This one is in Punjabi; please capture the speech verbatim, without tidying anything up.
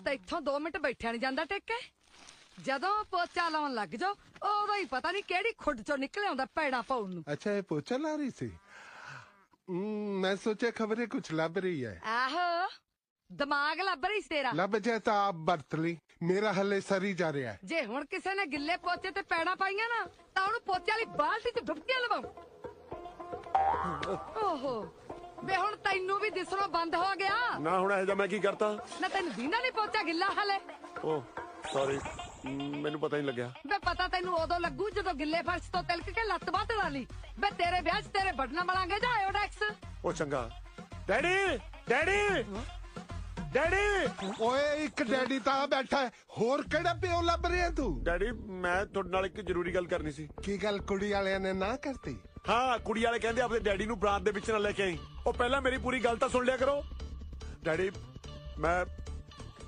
ਤੈਥੋਂ दो मिनट बैठा नहीं जाता टेके ਜਦੋਂ ਪੋਚਾ ਲਾਉਣ ਲੱਗ ਜਾਓ ਉਦੋਂ ਹੀ ਪਤਾ ਨਹੀਂ ਕਿਹੜੀ ਖੁੱਡ ਚੋਂ ਨਿਕਲ ਆਉਂਦਾ ਪੈੜਾ ਪਾਉਣ ਨੂੰ। अच्छा ये पोचा ला रही थी? हम्म, मैं सोचा खबरें कुछ लब रही है। ਆਹੋ ਦਿਮਾਗ ਲੱਭ ਰਹੀ ਸੀ ਤੇਰਾ। लब जाए तो आप बरत ली, मेरा हले सरी जा रहा है। ਜੇ ਹੁਣ ਕਿਸੇ ਨੇ ਗਿੱਲੇ ਪੋਚੇ ਤੇ ਪੈੜਾ ਪਾਈਆਂ ਨਾ ਤਾਂ ਉਹਨੂੰ ਪੋਚੇ ਵਾਲੀ ਬਾਲਟੀ 'ਚ ਡੁੱਬਕੀਆਂ ਲਵਾਉ। ਓਹੋ ਵੇ ਹੁਣ ਤੈਨੂੰ ਵੀ ਦਿਸਣੋਂ ਬੰਦ ਹੋ ਗਿਆ ਨਾ। ਹੁਣ ਇਹ ਜਾਂ ਮੈਂ ਕੀ ਕਰਤਾ? ਨਾ ਤੈਨੂੰ ਦੀਨਾ ਨਹੀਂ ਪੋਚਾ ਗਿੱਲਾ ਹਲੇ। ਓ ਸੌਰੀ, ਮੈਨੂੰ ਪਤਾ ਨਹੀਂ ਲੱਗਿਆ। ਵੇ ਪਤਾ ਤੈਨੂੰ ਉਦੋਂ ਲੱਗੂ ਜਦੋਂ ਗਿੱਲੇ ਫਰਸ਼ ਤੋਂ ਤਿਲਕ ਕੇ ਲੱਤ ਬਾਹ ਲਾ ਲਈ। ਵੇ ਤੇਰੇ ਵਿਆਹ 'ਚ ਤੇਰੇ ਬਟਨਾ ਮਲਾਂਗੇ ਜਾਂ ਆਇਓਡੈਕਸ। ਉਹ ਚੰਗਾ। ਡੈਡੀ ਡੈਡੀ ਡੈਡੀ ओए एक डैडी ता बैठा है, होर केड़ा प्यो लब रहा तू? ਡੈਡੀ ਮੈਂ ਤੁਹਾਡੇ ਨਾਲ ਇੱਕ ਜ਼ਰੂਰੀ ਗੱਲ ਕਰਨੀ ਸੀ। की गल कुड़ी वालियां ने ना करती? ਹਾਂ ਕੁੜੀ ਵਾਲੇ ਕਹਿੰਦੇ ਆਪਣੇ ਡੈਡੀ ਨੂੰ ਬਰਾਤ ਦੇ ਵਿੱਚ ਨਾ ਲੈ ਕੇ ਆਈ। ਉਹ ਪਹਿਲਾਂ ਮੇਰੀ ਪੂਰੀ ਗੱਲ ਤਾਂ ਸੁਣ ਲਿਆ ਕਰੋ। ਡੈਡੀ ਮੈਂ